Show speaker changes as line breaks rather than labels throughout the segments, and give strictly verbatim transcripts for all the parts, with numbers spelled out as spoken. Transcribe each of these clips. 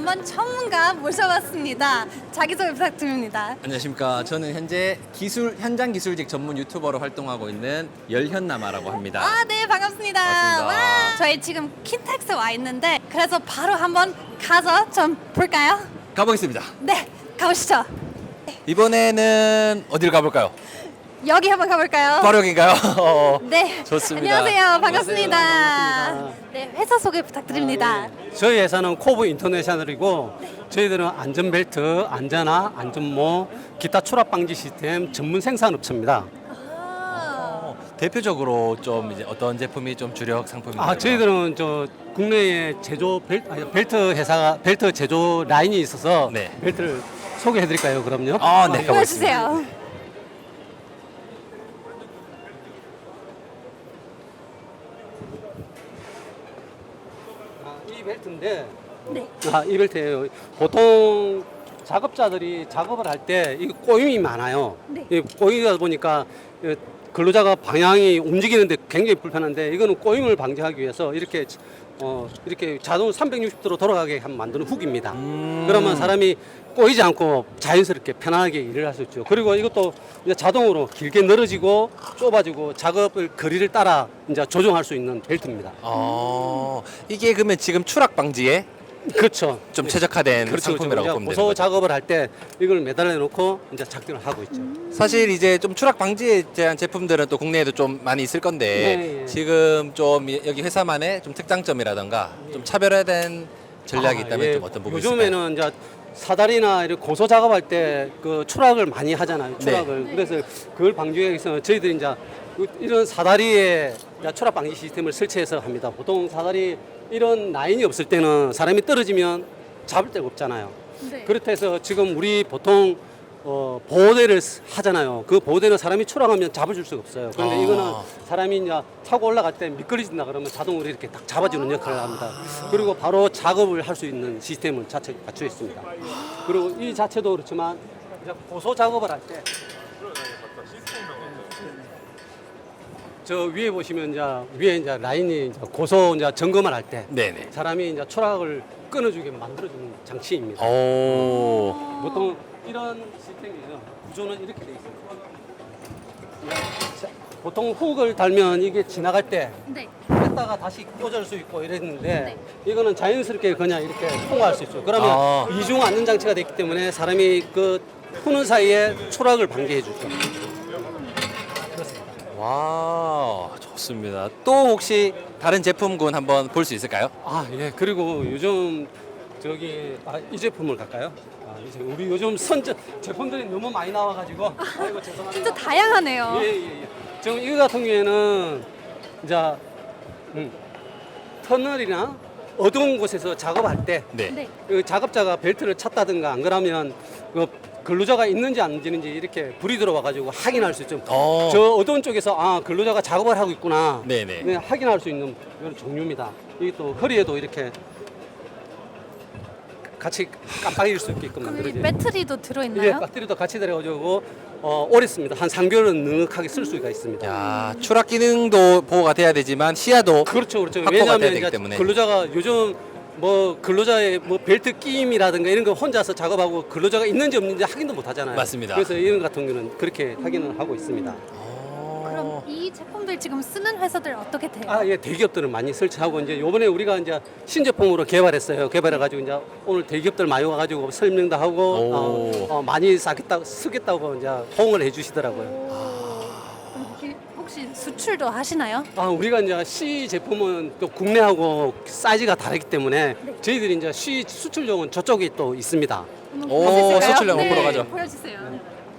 한번 전문가 모셔봤습니다. 자기소개 부탁드립니다.
안녕하십니까. 저는 현재 기술 현장 기술직 전문 유튜버로 활동하고 있는 열현남아라고 합니다.
아, 네, 반갑습니다.
반갑습니다.
와, 저희 지금 킨텍스 와 있는데 그래서 바로 한번 가서 좀 볼까요?
가보겠습니다.
네, 가보시죠.
이번에는 어디를 가볼까요?
여기 한번 가볼까요?
바로 여긴가요?
네,
좋습니다.
안녕하세요. 반갑습니다.
반갑습니다.
네, 회사 소개 부탁드립니다.
아, 예. 저희 회사는 코브 인터내셔널이고 저희들은 안전벨트, 안전화, 안전모, 기타 추락 방지 시스템 전문 생산업체입니다.
아,
어, 대표적으로 좀 이제 어떤 제품이 좀 주력 상품인가요?
아, 저희들은 저 국내에 제조 벨트, 아니, 벨트 회사가 벨트 제조 라인이 있어서
네.
벨트를 소개해드릴까요? 그럼요.
아, 네.
보여주세요.
아, 이 벨트인데
네.
아, 이 벨트예요. 보통 작업자들이 작업을 할 때 이 꼬임이 많아요.
네.
이 꼬이다 보니까 이 근로자가 방향이 움직이는데 굉장히 불편한데 이거는 꼬임을 방지하기 위해서 이렇게 어 이렇게 자동 삼백육십 도로 돌아가게 한 만드는 훅입니다.
음.
그러면 사람이 꼬이지 않고 자연스럽게 편안하게 일을 할 수 있죠. 그리고 이것도 이제 자동으로 길게 늘어지고 좁아지고 작업을 거리를 따라 이제 조정할 수 있는 벨트입니다.
어, 이게 그러면 지금 추락 방지에
그렇죠.
좀 최적화된
그렇죠.
상품이라고
그렇죠.
보면 되는
고소
거죠.
작업을 할 때 이걸 매달려 놓고 이제 작동을 하고 있죠.
사실 이제 좀 추락 방지에 대한 제품들은 또 국내에도 좀 많이 있을 건데
네, 예.
지금 좀 이- 여기 회사만의 좀 특장점이라던가 좀 차별화된 전략이
아,
있다면
예.
좀 어떤 부분이 있을까요?
요즘에는 이제 사다리나 이런 고소 작업할 때 그 추락을 많이 하잖아요.
네.
추락을. 그래서 그걸 방지하기 위해서 저희들이 이제 그 이런 사다리에 이제 추락 방지 시스템을 설치해서 합니다. 보통 사다리 이런 라인이 없을 때는 사람이 떨어지면 잡을 데가 없잖아요.
네.
그렇다 해서 지금 우리 보통 어, 보호대를 쓰- 하잖아요. 그 보호대는 사람이 추락하면 잡아줄 수가 없어요. 그런데
아.
이거는 사람이 이제 타고 올라갈 때 미끄러진다 그러면 자동으로 이렇게 딱 잡아주는 역할을 합니다. 그리고 바로 작업을 할 수 있는 시스템을 자체 갖추어 있습니다. 그리고 이 자체도 그렇지만 이제 고소 작업을 할 때 저 위에 보시면 이제 위에 이제 라인이 이제 고소 이제 점검을 할 때
네네.
사람이 이제 추락을 끊어주게 만들어주는 장치입니다.
오.
보통 이런 시스템이에요. 구조는 이렇게 돼 있어요. 자, 보통 훅을 달면 이게 지나갈 때
네.
뺐다가 다시 꽂을 수 있고 이랬는데
네.
이거는 자연스럽게 그냥 이렇게 통과할 수 있어요. 그러면
아.
이중 안전 장치가 됐기 때문에 사람이 그 푸는 사이에 추락을 방지해 주죠.
와, 좋습니다. 또 혹시 다른 제품군 한번 볼 수 있을까요?
아, 예. 그리고 요즘 저기 아, 이 제품을 갈까요? 아, 이제 우리 요즘 선제 제품들이 너무 많이 나와가지고 아이고 죄송합니다.
진짜 다양하네요.
예, 예, 예. 지금 이거 같은 경우에는 이제 음, 터널이나 어두운 곳에서 작업할 때
네.
네.
그 작업자가 벨트를 찼다든가 안 그러면 그 근로자가 있는지 안 있는지 이렇게 불이 들어와 가지고 확인할 수 있죠.
어.
저 어두운 쪽에서 아 근로자가 작업을 하고 있구나.
네네.
네, 확인할 수 있는 이런 종류입니다. 이게 또 허리에도 이렇게 같이 깜빡일 수 있게끔
그럼 여기
만들어져요.
배터리도
이게
들어있나요?
배터리도 같이 들어가지고 어, 오래 씁니다. 한 삼 개월은 넉넉하게 쓸 수가 있습니다.
야, 추락 기능도 보호가 돼야 되지만 시야도
그렇죠, 그렇죠.
확보가 돼야
왜냐하면
되기
이제
때문에.
근로자가 요즘 뭐 근로자의 뭐 벨트 끼임이라든가 이런 거 혼자서 작업하고 근로자가 있는지 없는지 확인도 못 하잖아요.
맞습니다.
그래서 이런 같은 경우는 그렇게 확인을 하고 있습니다.
그럼 이 제품들 지금 쓰는 회사들 어떻게 돼요?
아, 예, 대기업들은 많이 설치하고 이제 요번에 우리가 이제 신제품으로 개발했어요. 개발해 가지고 이제 오늘 대기업들 많이 와 가지고 설명도 하고
오.
어, 어, 많이 사겠다고 쓰겠다고 이제 호응을 해 주시더라고요.
그럼 혹시- 혹시 수출도 하시나요?
아, 우리가 이제 C 제품은 또 국내하고 사이즈가 다르기 때문에 저희들이 이제 C 수출용은 저쪽에 또 있습니다.
한번
오,
보여주실까요?
수출용
네,
보러 가죠.
보여주세요.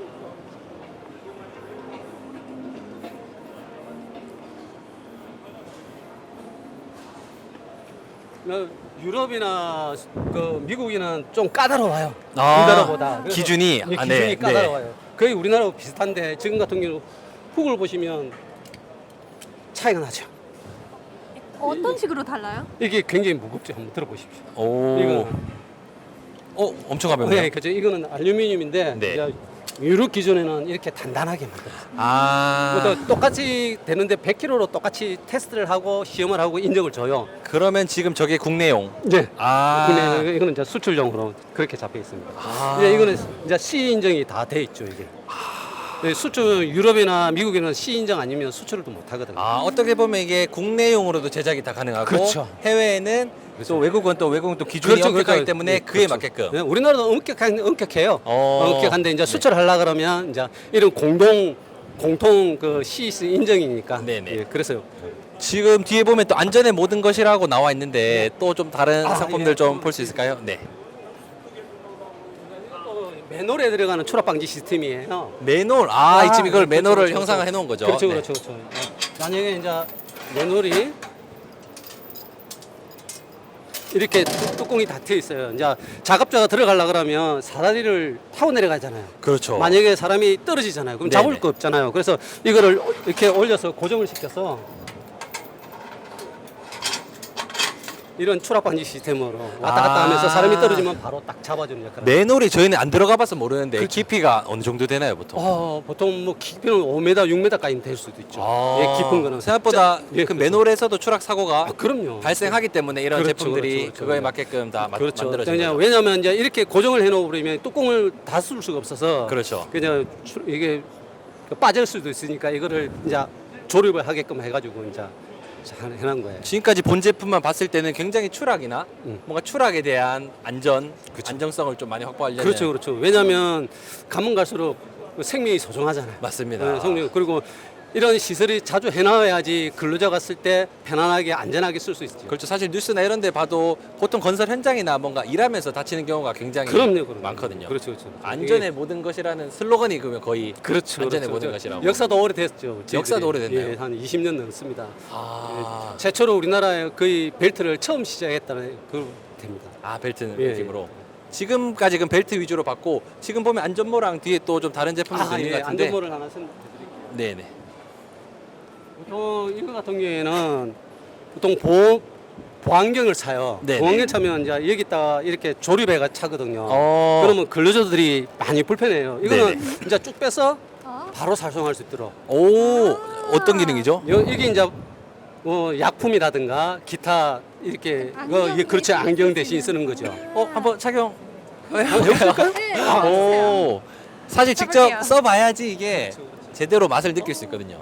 어, 유럽이나 그 미국이는 좀 까다로워요.
아,
우리나라보다. 그래서
기준이?
예,
아,
기준이
네,
까다로워요. 거의 우리나라하고 비슷한데 지금 같은 경우 훅을 보시면 차이가 나죠.
어떤 식으로 달라요?
이게 굉장히 무겁죠. 한번 들어보십시오.
오.
이거는
어, 엄청 가볍네요.
네, 그죠. 이거는 알루미늄인데
네.
이제 유럽 기준에는 이렇게 단단하게 만들었어요.
아.
그것도 똑같이 되는데 백 킬로로 똑같이 테스트를 하고 시험을 하고 인정을 줘요.
그러면 지금 저게 국내용.
네.
아.
근데 이거는 이제 수출용으로 그렇게 잡혀 있습니다.
아.
이제 이거는 이제 C 인정이 다 돼 있죠, 이게. 네, 수출 유럽이나 미국에는 C 인정 아니면 수출을 못 하거든요.
아, 어떻게 보면 이게 국내용으로도 제작이 다 가능하고
그렇죠.
해외에는 또 외국은 또 외국은 또 기준이 엄격하기 때문에
네,
그에
그렇죠.
맞게끔.
네, 우리나라도 엄격한 엄격해요.
어.
엄격한데 이제 수출하려 그러면 이제 이런 공동 공통 그 C 인정이니까.
네네.
예, 그래서요.
지금 뒤에 보면 또 안전의 모든 것이라고 나와 있는데 또 좀 다른
아,
상품들
예.
좀 볼 수 있을까요? 네.
맨홀에 들어가는 추락 방지 시스템이에요.
맨홀. 아,
아,
지금 이걸
그렇죠,
맨홀을
그렇죠,
형상화
그렇죠.
해 놓은 거죠.
그렇죠,
네.
그렇죠, 그렇죠. 만약에 이제 맨홀이 이렇게 뚜- 뚜껑이 다 트여 있어요. 이제 작업자가 들어가려 그러면 사다리를 타고 내려가잖아요.
그렇죠.
만약에 사람이 떨어지잖아요. 그럼
네네.
잡을 거 없잖아요. 그래서 이거를 이렇게 올려서 고정을 시켜서 이런 추락 방지 시스템으로 왔다 갔다
아.
하면서 사람이 떨어지면 바로 딱 잡아주는 역할을.
맨홀이 저희는 안 들어가 봐서 모르는데
그렇죠.
깊이가 어느 정도 되나요, 보통?
어, 보통 뭐 깊이는 오 미터, 육 미터까지 될 수도 있죠.
아,
예, 깊은 거는
생각보다
자, 예,
그
그렇죠.
맨홀에서도 추락 사고가
아, 그럼요.
발생하기 때문에 이런
그렇죠,
제품들이
그렇죠, 그렇죠.
그거에 맞게끔 다 마-
그렇죠.
만들어진
그냥
거죠.
왜냐하면 이제 이렇게 고정을 해놓으면 뚜껑을 다 쓸 수가 없어서
그렇죠.
그냥 주- 이게 빠질 수도 있으니까 이거를 이제 조립을 하게끔 해가지고 이제 잘 해놓은 거예요.
지금까지 본 제품만 봤을 때는 굉장히 추락이나
음.
뭔가 추락에 대한 안전, 안정성을 좀 많이 확보하려는
그렇죠, 그렇죠. 왜냐하면 가면 갈수록 그 생명이 소중하잖아요.
맞습니다.
네, 생명 그리고 이런 시설이 자주 해놔야지 근로자가 쓸 때 편안하게 안전하게 쓸 수 있죠.
그렇죠. 사실 뉴스나 이런 데 봐도 보통 건설 현장이나 뭔가 일하면서 다치는 경우가 굉장히
그럼요, 그럼요.
많거든요.
그렇죠, 그렇죠.
안전의 모든 것이라는 슬로건이 그러면 거의
그렇죠,
안전의
그렇죠.
모든 것이라고.
역사도 오래됐죠.
역사도 오래됐나요?
예, 한 이십 년 넘습니다.
아,
최초로 우리나라에 거의 벨트를 처음 시작했다는 그 됩니다.
아 벨트
예,
느낌으로. 지금까지 그 벨트 위주로 봤고 지금 보면 안전모랑 뒤에 또 좀 다른 제품들도
아,
있는
예,
것 같은데.
안전모를 하나 설명드릴게요.
네네.
보통 이거 같은 경우에는 보통 보호 보안경을 차요.
네네.
보안경 차면 이제 여기다가 이렇게 조립해가 차거든요.
어.
그러면 근로자들이 많이 불편해요. 이거는
네네.
이제 쭉 빼서
어?
바로 살성할 수 있도록.
오, 어떤 기능이죠?
여- 이게 이제 뭐 약품이라든가 기타 이렇게
안경
어, 이게 그렇지
대신
안경 대신
쓰는.
쓰는 거죠.
어, 한번 착용.
네,
오, 사실 직접
해볼게요.
써봐야지 이게
그렇죠, 그렇죠.
제대로 맛을 느낄 수 있거든요.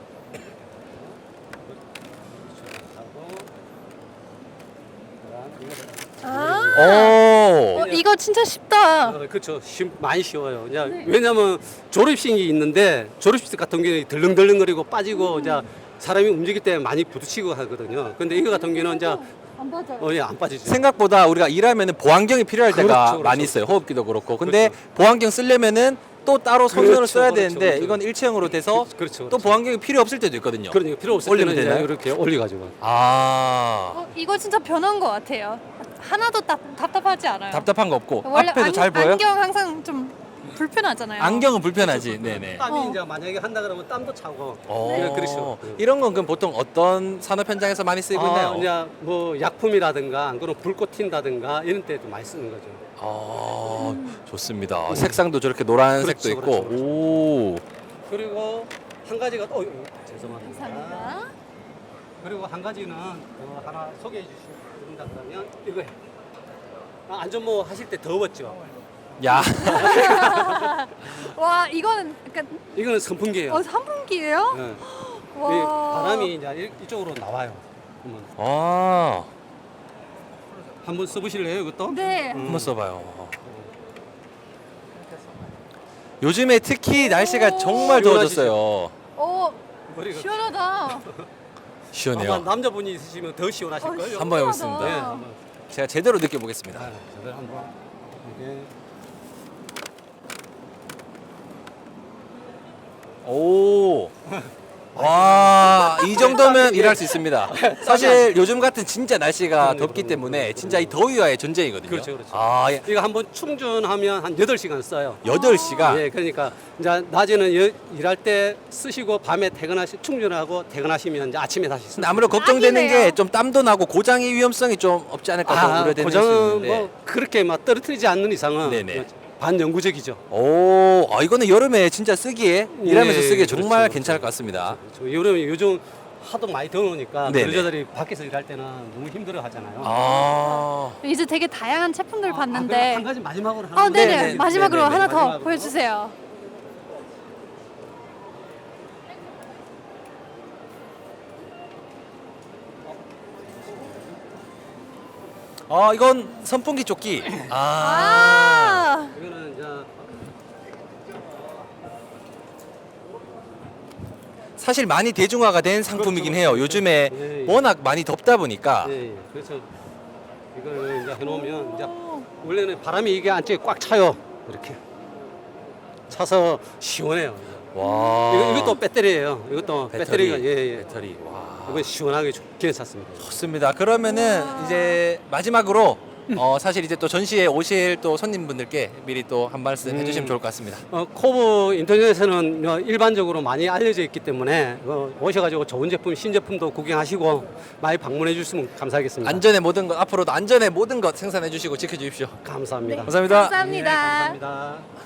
아,
오,
어, 이거 진짜 쉽다.
어, 그렇죠. 쉬, 많이 쉬워요. 이제 왜냐하면 조립식이 있는데 조립식 같은 경우는 덜렁덜렁거리고 빠지고 이제 사람이 움직일 때 많이 부딪히고 하거든요. 근데 이거 같은 경우는 이제
안 맞아요.
어, 예, 안 빠지죠.
생각보다 우리가 일하면은 보안경이 필요할 때가
그렇죠, 그렇죠.
많이 있어요. 호흡기도 그렇고. 근데
그렇죠.
보안경 쓰려면은 또 따로 손으로
그렇죠,
써야
그렇죠,
되는데
그렇죠.
이건 일체형으로 돼서
그렇죠, 그렇죠,
또
그렇죠.
보안경이 필요 없을 때도 있거든요.
그러니까 필요 없을
올리면
때는 이제
되나요?
이렇게 올려가지고.
아,
어, 이거 진짜 변한 것 같아요. 하나도 답, 답답하지 않아요.
답답한 거 없고
원래
앞에도
안,
잘 보여요?
안경 항상 좀 불편하잖아요.
안경은 불편하지. 네네.
땀이
어.
이제 만약에 한다 그러면 땀도 차고.
어,
네, 그렇죠.
이런 건 그럼 보통 어떤 산업 현장에서 많이 쓰이고 있나요?
아, 이제 뭐 약품이라든가 안 그러면 불꽃 튄다든가 이런 때도 많이 쓰는 거죠.
아, 좋습니다. 색상도 저렇게 노란색도
그렇죠,
있고.
그렇죠,
오.
그리고 한 가지가 또 어, 죄송합니다.
감사합니다.
그리고 한 가지는 어, 하나 소개해 주신다 그러면 이거예요. 아, 안전모 하실 때 더웠죠.
야.
와, 이거는 약간
이거는 선풍기예요.
어, 선풍기예요?
예.
와.
이 바람이 이제 이- 이쪽으로 나와요. 한번
아.
한번 써보실래요, 이것도?
네.
한번 써봐요. 요즘에 특히 날씨가 정말 더워졌어요.
어,
머리가
시원하다.
시원해요.
아마 남자분이 있으시면 더 시원하실
어,
거예요.
한번 해보겠습니다.
네,
시원하다.
한번.
제가 제대로 느껴보겠습니다.
아, 저를 한번 이게
오. 와, 이 정도면 일할 수 있습니다. 사실 요즘 같은 진짜 날씨가 덥기 때문에 진짜 이 더위와의 전쟁이거든요.
그렇죠, 그렇죠.
아, 예.
이거 한번 충전하면 한 여덟 시간 써요.
여덟 시간.
예, 그러니까 이제 낮에는 여- 일할 때 쓰시고 밤에 퇴근하시 충전하고 퇴근하시면 이제 아침에 다시 쓰.
근데 아무래도 걱정되는
딱이네요.
게 좀 땀도 나고 고장의 위험성이 좀 없지 않을까 또
아,
우려되는 수
고장은
있는데.
뭐 그렇게 막 떨어뜨리지 않는 이상은
네네.
반영구적이죠.
오, 아, 이거는 여름에 진짜 쓰기에 일하면서
네,
쓰기에
그렇죠,
정말
그렇죠.
괜찮을 것 같습니다.
그렇죠. 여름에 요즘 하도 많이 더우니까
네네.
근로자들이 밖에서 일할 때는 너무 힘들어 하잖아요.
아,
이제 되게 다양한 제품들
아,
봤는데.
그럼 한 가지 마지막으로 하나.
어, 네네.
네네.
마지막으로
네네네.
하나 더
마지막으로.
보여주세요.
아, 이건 선풍기 조끼. 아,
아,
이거는 이제
사실 많이 대중화가 된 상품이긴
그렇죠.
해요. 요즘에
예, 예.
워낙 많이 덥다 보니까.
예, 예. 그래서 이걸 이제 해놓으면 이제 원래는 바람이 이게 안쪽에 꽉 차요. 이렇게 차서 시원해요.
와,
이거, 이것도 배터리예요. 이것도
배터리,
배터리가 예, 예.
배터리. 와,
이건 시원하게 좋- 괜찮습니다.
좋습니다. 그러면은 이제 마지막으로 어, 사실 이제 또 전시에 오실 또 손님분들께 미리 또 한 말씀 해주시면
음.
좋을 것 같습니다.
어, 코브 인터넷에는 어, 일반적으로 많이 알려져 있기 때문에 어, 오셔가지고 좋은 제품, 신제품도 구경하시고 많이 방문해 주시면 감사하겠습니다.
안전의 모든 것 앞으로도 안전의 모든 것 생산해 주시고 지켜주십시오.
감사합니다.
감사합니다.
감사합니다.
예, 감사합니다.